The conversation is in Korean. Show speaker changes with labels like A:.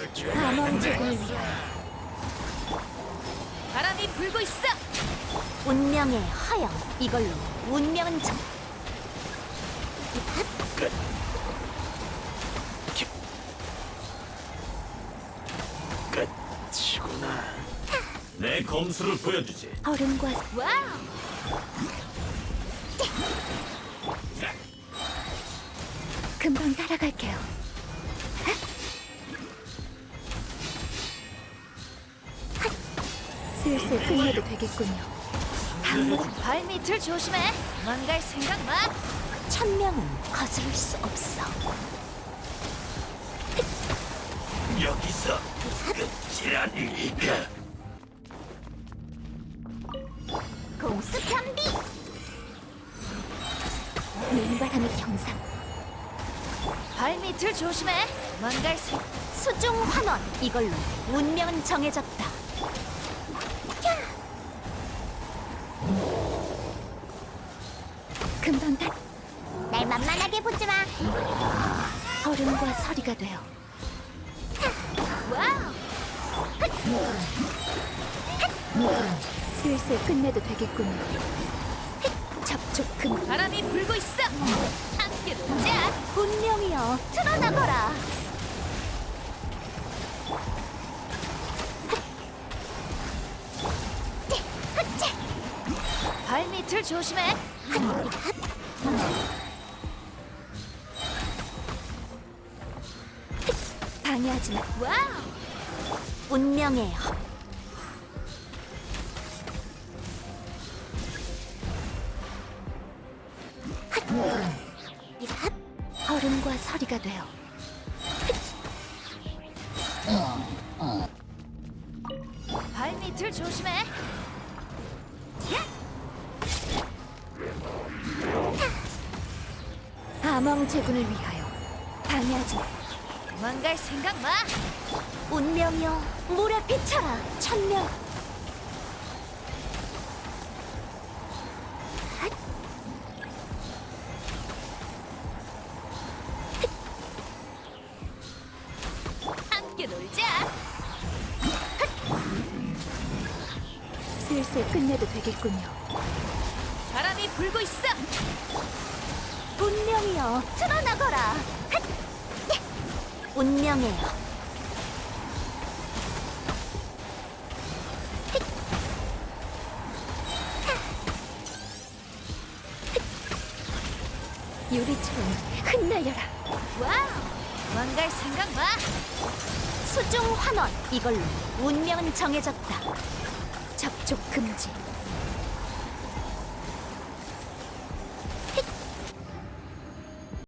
A: 암왕 제군을 위하여
B: 바람이 불고 있어.
A: 운명의 허영, 이걸로 운명은 정.
C: 끝이구나.
D: 내 검수를 보여주지.
A: 얼음과
B: 와우.
A: 금방 따라갈게요. 슬슬 끝내도 되겠군요.
B: 발밑을 조심해. 도망갈 생각 마.
A: 천명은 거스를 수 없어.
D: 여기서 끝이라니까.
A: 공수 편비. 눈바람의 경상.
B: 발밑을 조심해. 도망갈 생.
A: 수중 환원, 이걸로 운명은 정해졌다. 금방 다. 날 만만하게 보지 마. 얼음과 서리가 되어
B: 와우.
A: 슬슬 끝내도 되겠군요. 접촉 금.
B: 바람이 불고 있어. 함께 놀자.
A: 운명이여, 드러나거라.
B: 발밑을 조심해.
A: 방해하지 마.
B: 와우.
A: 운명의 허. 얼음과 서리가 되어
B: 발밑을 조심해.
A: 암왕 제군을 위하여 방해하지 마.
B: 도망갈 생각 마.
A: 운명이여, 물에 비쳐라. 천명.
B: 함께 놀자.
A: 슬슬 끝내도 되겠군요.
B: 바람이 불고 있어.
A: 운명이여, 드러나거라. 운명의 허. 유리처럼 흩날려라.
B: 와우. 도망갈 생각 마.
A: 수중 환원, 이걸로 운명은 정해졌다. 접촉 금지.